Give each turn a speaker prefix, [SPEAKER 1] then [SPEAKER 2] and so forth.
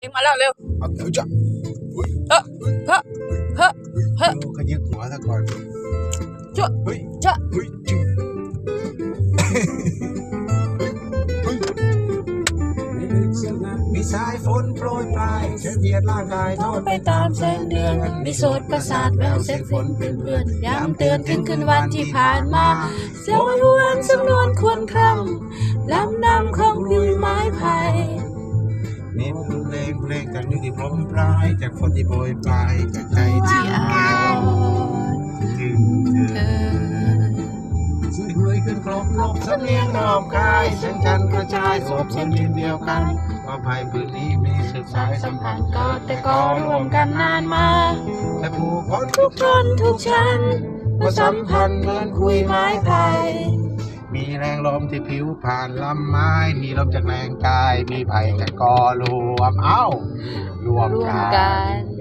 [SPEAKER 1] มาแล้วเร็ว
[SPEAKER 2] เอาเถอะจ้ะ
[SPEAKER 1] เฮ้เฮ้เฮ้เฮ้
[SPEAKER 2] ขยึกหัวซะก่อน
[SPEAKER 1] จ้ะ
[SPEAKER 2] เฮ้ย
[SPEAKER 1] จ้ะ
[SPEAKER 2] เฮ้ยจึ๊งมีสายฝนโปรยปลายเฉลียดร่างกายทอด
[SPEAKER 1] ไปตามแสงเดือนมีโสดประสาทแววเสียงฝนเป็นเพื่อนย้ำเตือนถึงคืนวันที่ผ่านมาเสียงวันวานสำนวนควรคร่ำลำนำของยุ้ยไม้ไผ่
[SPEAKER 2] นี่เพลงจากยุติพรมปลายจากฝนที่โปรยปลายจากใจที่
[SPEAKER 1] ที่อ่อน
[SPEAKER 2] ถึงเธอซึ่งเคยขึ้นครบลบสำเนียงนอบกายแสงจันทร์กระจายโสบเส้นดินเดียวกันว่าภัยพื้นนี้มีสืบสายสัมพันธ์
[SPEAKER 1] ก็แต่ก็รวมกันนานมา
[SPEAKER 2] แต่ผู้คน
[SPEAKER 1] ทุกคนทุกชั้นมาสัมพันธ์เหมือนคุยไม้ไผ่
[SPEAKER 2] มีแรงลมที่ผิวผ่านลำไม้มีลมจากแรงกายมีภัยจากกอรวมรวมกัน